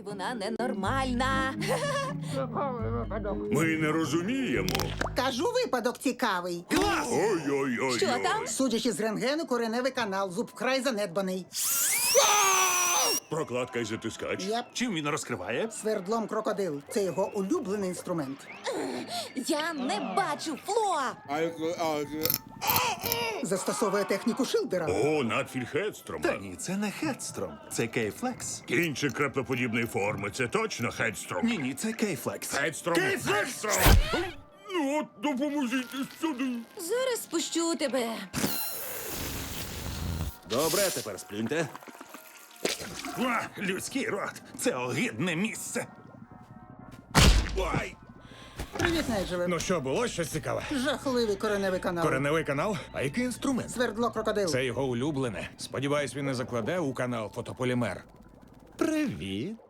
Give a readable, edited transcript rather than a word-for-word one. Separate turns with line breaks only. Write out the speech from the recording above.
вона ненормальна.
Ми не розуміємо.
Кажу, випадок цікавий.
Ой-ой-ой.
Що там?
Судячи з рентгену, кореневий канал, зуб вкрай занедбаний.
Прокладка і затискач.
Єп,
Чим він розкриває?
свердлом крокодил. Це його улюблений інструмент.
Я не бачу, Фло!
Застосовує техніку Шилдера.
О, надфіль Хедстрома.
Та ні, це не Хедстром, це Кейфлекс.
Кінчик краплеподібної форми. Це точно Хедстром.
Ні, це Кейфлекс.
Хедстром. Хедстром! Ну от, допоможіть сюди.
Зараз спущу тебе.
Добре, тепер сплюньте. Людський рот. Це огидне місце. Ой!
Привіт, Найджеле.
Ну що, було щось цікаве?
Жахливий кореневий канал.
Кореневий канал? А який інструмент?
Свердло крокодил.
Це його улюблене. Сподіваюсь, він не закладе у канал фотополімер. Привіт.